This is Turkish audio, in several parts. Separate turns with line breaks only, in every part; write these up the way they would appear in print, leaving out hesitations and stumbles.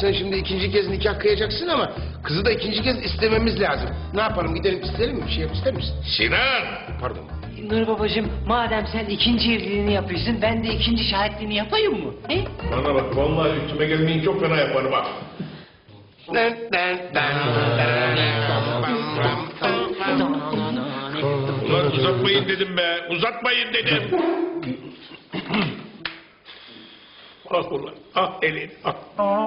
sen şimdi ikinci kez nikah kıyacaksın ama kızı da ikinci kez istememiz lazım. Ne yapalım, gidelim isterim mi? Bir şey yap, ister misin?
Sinan!
Pardon.
Nur babacığım, madem sen ikinci evliliğini yapıyorsun, ben de ikinci şahitliğini yapayım mı? He?
Bana bak, vallahi üstüme gelmeyin, çok fena yaparım bak. Ulan uzatmayın dedim be, uzatmayın dedim. Ah ulan, ah elin, ah.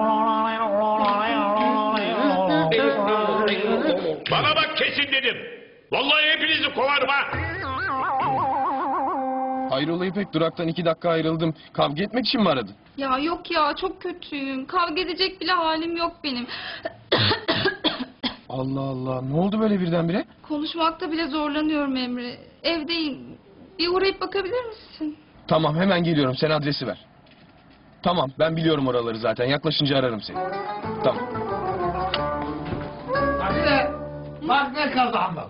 Bana bak, kesin dedim. Vallahi hepinizi kovarım ha.
Hayrola İpek, duraktan 2 dakika ayrıldım. Kavga etmek için mi aradın?
Ya yok ya, çok kötüyüm. Kavga edecek bile halim yok benim.
Allah Allah, ne oldu böyle birdenbire?
Konuşmakta bile zorlanıyorum Emre. Evdeyim. Bir uğrayıp bakabilir misin?
Tamam, hemen geliyorum, sen adresi ver. Tamam, ben biliyorum oraları zaten, yaklaşınca ararım seni. Tamam.
Hadi bak ne kazandım.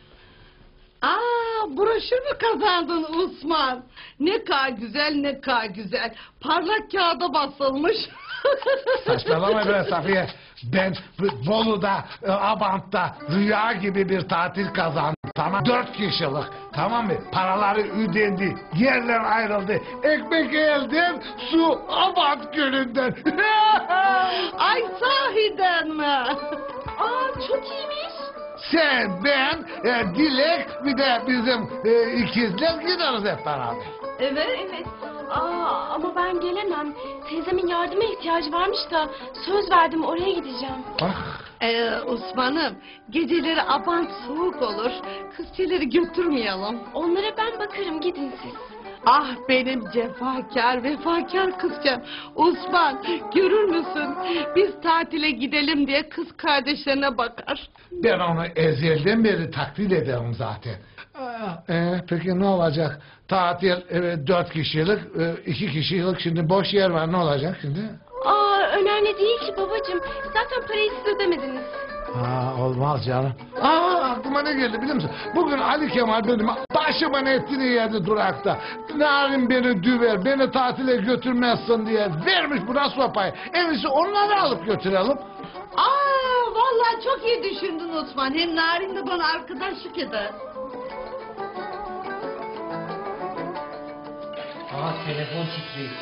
Broşür mü kazandın Osman? Ne kadar güzel, ne kadar güzel. Parlak kağıda basılmış.
Saçmalama be Safiye. Ben Bolu'da, Abant'ta rüya gibi bir tatil kazandım. Tamam, 4 kişilik. Tamam mı? Paraları ödendi. Yerler ayrıldı. Ekmek elden, su Abant Gölü'nden.
Ay sahiden mi?
Çok iyiymiş.
Sen, ben, Dilek, bir de bizim ikizler gideriz hep beraber.
Evet. Ama ben gelemem. Teyzemin yardıma ihtiyacı varmış da söz verdim, oraya gideceğim.
Osman'ım, geceleri Abant soğuk olur. Kızçeleri götürmeyelim.
Onlara ben bakarım, gidin siz.
Ah benim cefakar, vefakar kızcağım. Osman, görür müsün? Biz tatile gidelim diye kız kardeşlerine bakar.
Ben onu ezelden beri takdir ederim zaten. Peki ne olacak? Tatil 4 kişilik, 2 kişilik, şimdi boş yer var, ne olacak şimdi?
Önemli değil ki babacığım. Zaten parayı siz ödemediniz.
Olmaz canım. Aklıma ne geldi biliyor musun? Bugün Ali Kemal benim başımın etini yedi durakta. Narin beni düver, beni tatile götürmezsin diye vermiş buna sopayı. En iyisi onları alıp götürelim.
Vallahi çok iyi düşündün Osman. Hem Narin de bana arkadaşlık eder.
Telefon titriyor.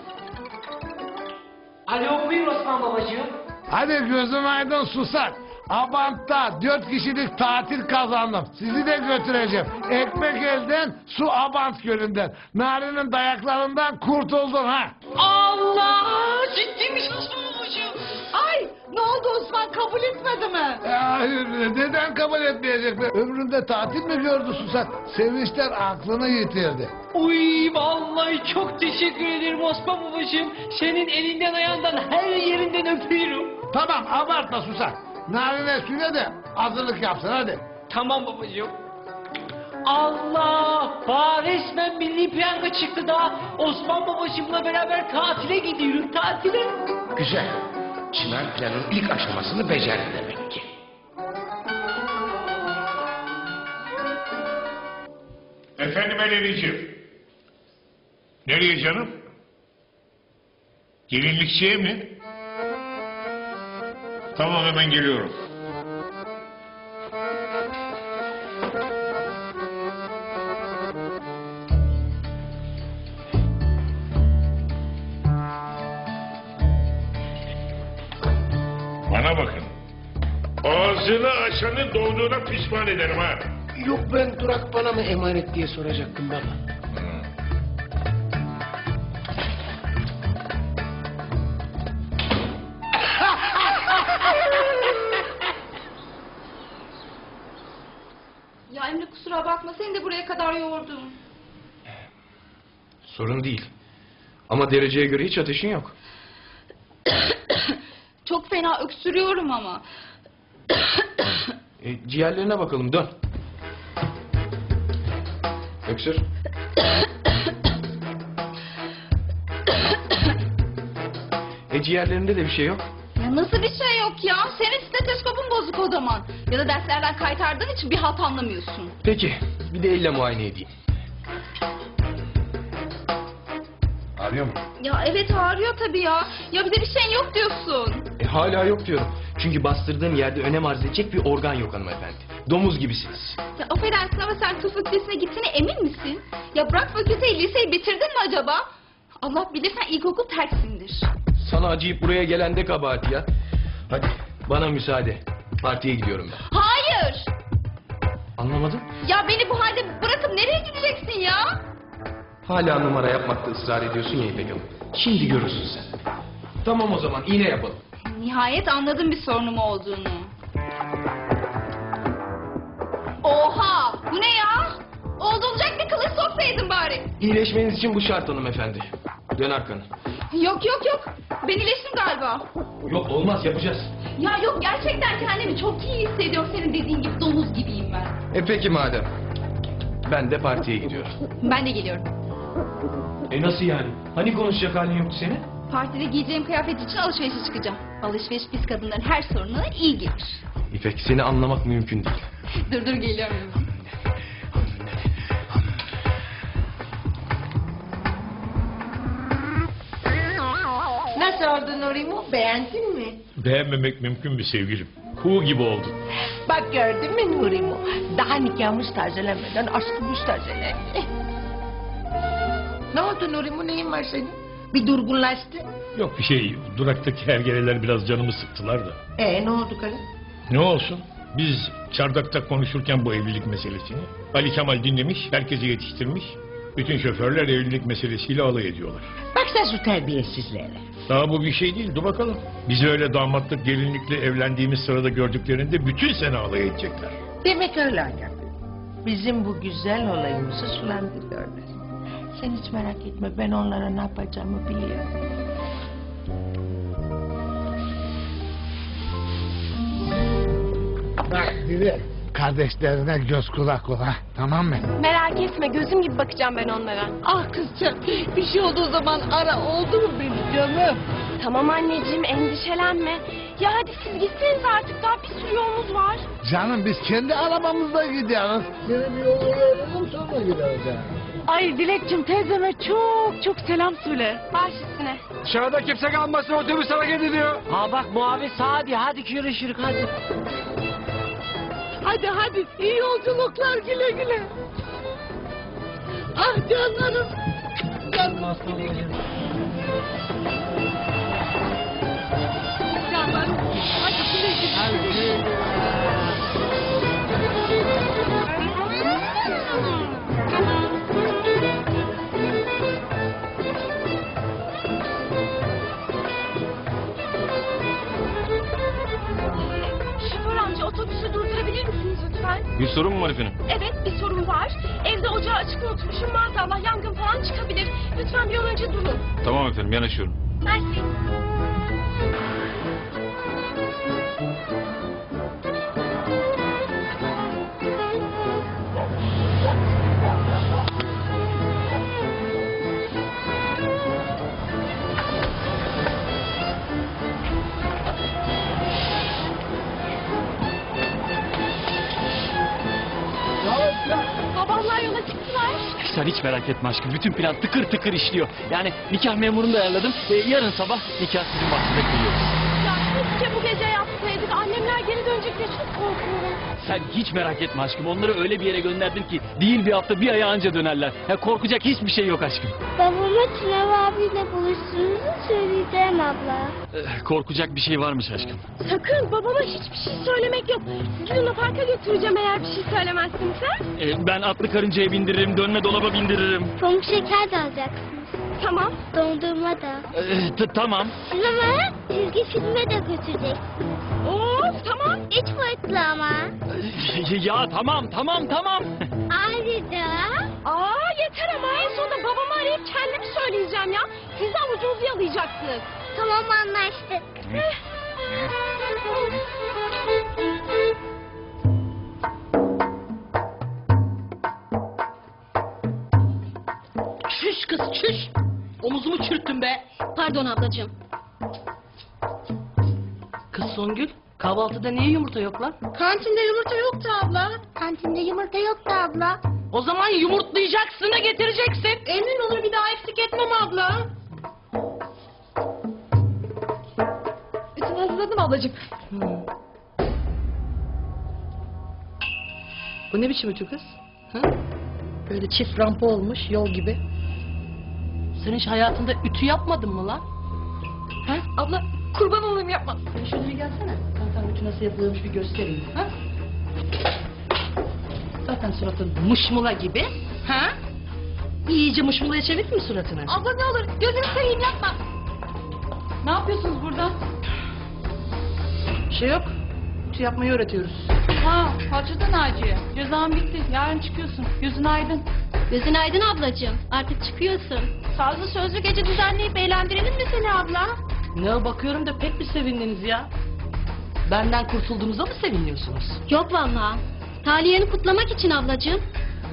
Alo, buyur Osman babacığım.
Hadi gözüm aydın susak. Abant'ta 4 kişilik tatil kazandım. Sizi de götüreceğim. Ekmek elden, su Abant Gölü'nden. Narin'in dayaklarından kurtuldun ha.
Allah! Ciddiymiş Osman babacığım. Ay! Ne oldu Osman? Kabul etmedi mi?
Hayır, neden kabul etmeyecek be? Ömründe tatil mi gördü susak? Sevinçler aklını yitirdi.
Uy, vallahi çok teşekkür ederim Osman babacığım. Senin elinden ayağından her yerinden öpüyorum.
Tamam, abartma susak. Narin'e söyle de hazırlık yapsın hadi.
Tamam babacığım. Allah! Resmen milli piyango çıktı da Osman babacığımla beraber tatile gidiyorum, tatile.
Güzel. Çınar planın ilk aşamasını becerdi demek ki.
Efendim Eleniciğim. Nereye canım? Gelinlikçiye mi? Tamam, hemen geliyorum. Bana bakın. Ağzını açanı doğduğuna pişman ederim ha.
Yok, ben durak bana mı emanet diye soracaktım baba.
Ya Emre, kusura bakma, seni de buraya kadar yordum.
Sorun değil. Ama dereceye göre hiç ateşin yok.
Çok fena öksürüyorum ama.
Ciğerlerine bakalım, dön. Öksür. Ciğerlerinde de bir şey yok.
Ya nasıl bir şey yok ya? Senin steteskopun bozuk o zaman. Ya da derslerden kaytardığın için bir halt anlamıyorsun.
Peki, bir de elle muayene edeyim. Ağrıyor mu?
Ya evet, ağrıyor tabii ya. Ya bir de bir şeyin yok diyorsun.
Hala yok diyorum. Çünkü bastırdığım yerde önem arz edecek bir organ yok hanımefendi. Domuz gibisiniz.
Ya affedersin ama sen tıp fakültesine gittiğine emin misin? Ya bırak fakülteyi, liseyi bitirdin mi acaba? Allah bilir sen ilkokul tersindir.
Sana acıyıp buraya gelen de kabahat ya. Hadi bana müsaade. Partiye gidiyorum ben.
Hayır!
Anlamadım.
Ya beni bu halde bırakıp nereye gideceksin ya?
Hala numara yapmakta ısrar ediyorsun ya İpek Hanım. Şimdi görürsün sen. Tamam o zaman iğne yapalım.
Nihayet anladım bir sorunum olduğunu. Oha! Bu ne ya? Oldu olacak bir kılıç soksaydın bari.
İyileşmeniz için bu şart hanımefendi. Dön arkanı.
Yok yok yok. Ben iyileştim galiba.
Yok olmaz yapacağız.
Ya yok gerçekten kendimi çok iyi hissediyorum. Senin dediğin gibi domuz gibiyim ben.
Peki madem. Ben de partiye gidiyorum.
Ben de geliyorum.
Nasıl yani? Hani konuşacak halin yoktu senin?
Partide giyeceğim kıyafet için alışverişe çıkacağım. Alışveriş biz kadınların her sorununa iyi gelir.
İpek seni anlamak mümkün değil.
Dur geliyorum.
Nasıl oldu Nurimo? Beğendin mi?
Beğenmemek mümkün mü sevgilim? Kuğu gibi oldun.
Bak gördün mü Nurimo? Daha nikahımız tazelenmeden aşkımız tazelendi. Ne oldu Nurimo? Neyin var senin? Bir durgunlaştı.
Yok bir şey. Duraktaki hergeleler biraz canımı sıktılar da.
Ne oldu karı?
Ne olsun? Biz çardakta konuşurken bu evlilik meselesini Ali Kemal dinlemiş, herkese yetiştirmiş. Bütün şoförler evlilik meselesiyle alay ediyorlar.
Bak sen şu terbiyesizlere.
Daha bu bir şey değil, dur bakalım. Bizi öyle damatlık gelinlikle evlendiğimiz sırada gördüklerinde bütün sene alay edecekler.
Demek öyle annem. Bizim bu güzel olayımızı sulandırıyorlar. Sen hiç merak etme, ben onlara ne yapacağımı biliyorum.
Bak Dilek, kardeşlerine göz kulak ol ha, tamam mı?
Merak etme, gözüm gibi bakacağım ben onlara.
Ah kızcağım, bir şey olduğu zaman ara, oldu mu benim canım?
Tamam anneciğim, endişelenme. Ya hadi siz gitseniz artık, daha bir sürü yolumuz var.
Canım biz kendi arabamızla gidiyoruz. Seni bir yolunu veririm sonra gideriz yani.
Ay Dilekçim, teyzeme çok selam söyle. Baş üstüne.
Dışarıda kimse kalmasın otobüs hareket ediyor.
Ha bak muhabbet Sadi hadi görüşürük hadi.
Hadi, iyi yolculuklar, güle güle. Ah canlarım. Canlarım. Canlarım, hadi güle güle.
Şoför amca, otobüsü durdurabilir misiniz lütfen?
Bir sorun mu var efendim?
Evet, bir sorun var. Evde ocağı açık unutmuşum, maazallah yangın falan çıkabilir. Lütfen bir an önce durun.
Tamam efendim yanaşıyorum.
Mersi. Babamlar yola çıktılar.
Sen hiç merak etme aşkım. Bütün plan tıkır tıkır işliyor. Yani nikah memurunu da ayarladım. Yarın sabah nikah sizin vaktinde kılıyor.
Ya keşke bu gece yapsaydık. Annemler geri dönecek diye çok korkuyorum.
Sen hiç merak etme aşkım. Onları öyle bir yere gönderdim ki değil bir hafta bir aya anca dönerler. Ya korkacak hiçbir şey yok aşkım.
Babama Çınar abiyle buluştuğumuzu söyleyeceğim abla.
Korkacak bir şey varmış aşkım.
Sakın babama hiçbir şey söylemek yok. Sizi Luna Park'a götüreceğim eğer bir şey söylemezsinse.
Ben atlı karıncaya bindiririm, dönme dolaba bindiririm.
Pamuk şeker de alacaksınız.
Tamam.
Dondurma da.
Tamam.
Sinemaya çizgi filme de götüreceksiniz.
Of tamam.
3 boyutlu ama.
Ya tamam.
Ayrıca
Yeter ama en sonunda babamı arayıp kendimi söyleyeceğim ya. Siz de avucunuzu yalayacaksınız.
tamam anlaştık.
Çüş kız çüş. Omuzumu çürüttün be.
Pardon ablacığım.
Kız Songül, kahvaltıda niye yumurta yok lan?
Kantinde yumurta yoktu abla.
Kantinde yumurta yoktu abla.
O zaman yumurtlayacaksın da getireceksin.
Emin olur bir daha eksik etmem abla. Bütün hazırladım ablacığım.
Bu ne biçim ütü kız? Ha? Böyle çift rampa olmuş yol gibi. Sen hiç hayatında ütü yapmadın mı lan? Ha?
Abla kurban olayım yapma.
Sen şöyle bir gelsene. Ben sana ütü nasıl yapılıyormuş bir göstereyim. Ha? Zaten suratın mışmula gibi. Ha? İyice mışmulaya çevirdin mi suratını?
Abla ne olur gözünü seveyim yapma.
Ne yapıyorsunuz burada? Bir şey yok. Ütü yapmayı öğretiyoruz.
Ha Hacı'da Naciye. Cezan bitti. Yarın çıkıyorsun. Gözün aydın.
Gözün aydın ablacığım. Artık çıkıyorsun.
Sazlı sözlü gece düzenleyip eğlendirelim mi seni abla?
Ne bakıyorum da pek bir sevindiniz ya. Benden kurtulduğunuza mı seviniyorsunuz?
Yok vallahi. Taliyeni kutlamak için ablacığım.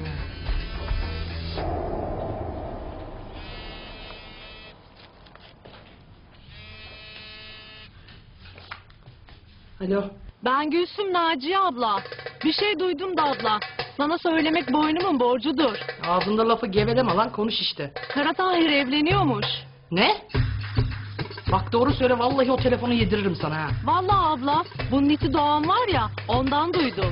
Alo.
Ben Gülsüm Naciye abla. Bir şey duydum da abla. Sana söylemek boynumun borcudur.
Ağzında lafı geveleme lan, konuş işte.
Kara Tahir evleniyormuş.
Ne? Bak doğru söyle, vallahi o telefonu yediririm sana ha.
Vallahi abla, bunun iti Doğan var ya, ondan duydum.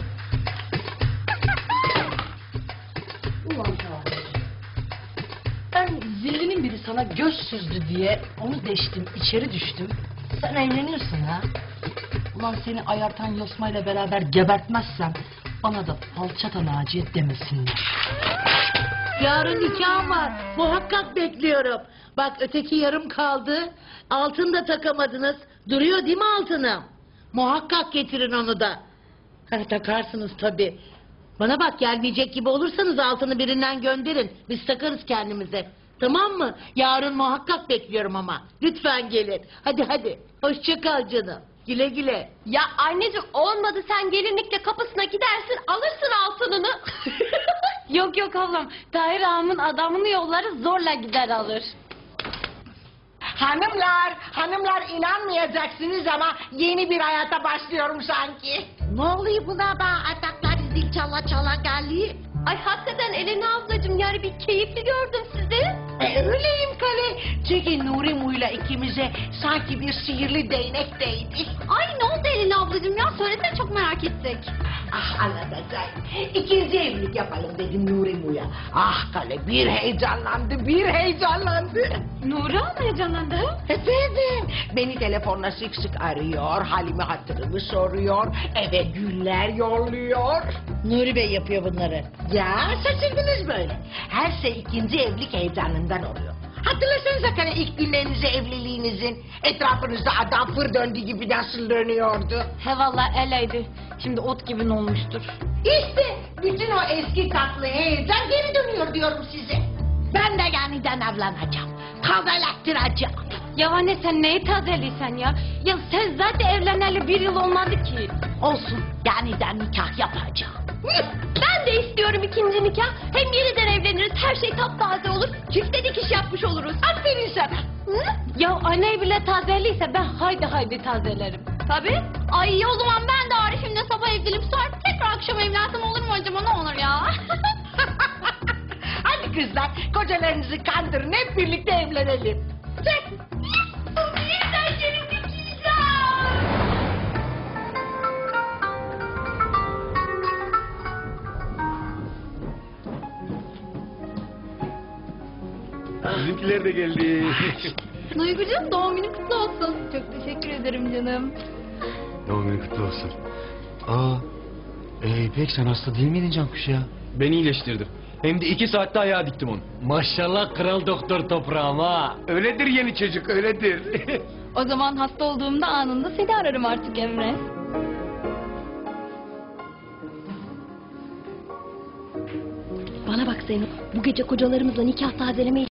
Ulan Tahir. Ben zillinin biri sana göz süzdü diye onu deştim, içeri düştüm. Sen evleniyorsun ha. Ulan seni ayartan yosmayla beraber gebertmezsem bana da falçata Naciye demesinler.
Yarın nikahım var. Muhakkak bekliyorum. Bak öteki yarım kaldı. Altın da takamadınız. Duruyor değil mi altınım? Muhakkak getirin onu da. Ha, takarsınız tabii. Bana bak, gelmeyecek gibi olursanız altını birinden gönderin. Biz takarız kendimize. Tamam mı? Yarın muhakkak bekliyorum ama. Lütfen gelin. Hadi hadi. Hoşça kal canım. Güle güle.
Ya anneciğim olmadı, sen gelinlikle kapısına gidersin alırsın altınını. Yok yok ablam, Tahir ağamın adamını yolları zorla gider alır.
Hanımlar inanmayacaksınız ama yeni bir hayata başlıyorum sanki. Ne oluyor buna da ataklar zil çala çala geldi?
Ay hakikaten Elena ablacığım, yani bir keyifli gördüm sizi.
Öyleyim Kale. Çünkü Nuri Mu'yla ikimize sanki bir sihirli değnek değdi.
Ay ne oldu Elina ablacığım ya? Söylesene çok merak ettik.
Ah anlatacağım. İkinci evlilik yapalım dedim Nuri Mu'ya. Ah Kale bir heyecanlandı.
Nuri mı heyecanlandı?
Efendim, beni telefonla sık sık arıyor, halimi hatırımı soruyor, eve güller yolluyor. Nuri Bey yapıyor bunları. Ya şaşırdınız böyle. Her şey ikinci evlilik heyecanından oluyor. Hatırlasanıza hani ilk günlerinizi evliliğinizin etrafınızda adam fır döndüğü gibi nasıl dönüyordu.
He valla eleydi. Şimdi ot gibi olmuştur.
İşte bütün o eski tatlı heyecan geri dönüyor diyorum size. Ben de yeniden evleneceğim. Tazeletttireceğim.
Ya anne sen neyi tazeliysen ya? Ya sen zaten evleneli 1 yıl olmadı ki.
Olsun, yeniden nikah yapacağım.
Ben de istiyorum ikinci nikah. Hem yeniden evleniriz, her şey taptaze olur. Çifte dikiş yapmış oluruz.
Aferin sana.
Ya anne bile tazeliyse ben haydi tazelerim.
Tabii. Ay o zaman ben de Arif'imle sabah evlenip sonra tekrar akşam evlensem olur mu acaba, ne olur ya?
Hadi kızlar, kocalarınızı kandırın, hep birlikte evlenelim. Çek.
Yeniden gelin dikileceğim.
Bizimkiler de geldi.
Duygucuğum doğum günün kutlu olsun. Çok teşekkür ederim canım.
Doğum günü kutlu olsun. İpek sen hasta değil miydin Cankuş ya?
Ben iyileştirdim. Hem de 2 saatte ayağa diktim onu.
Maşallah kral doktor toprağım ha.
Öyledir yeni çocuk, öyledir.
O zaman hasta olduğumda anında seni ararım artık Emre.
Bana bak Zeynep. Bu gece kocalarımızla nikah tazelemeyi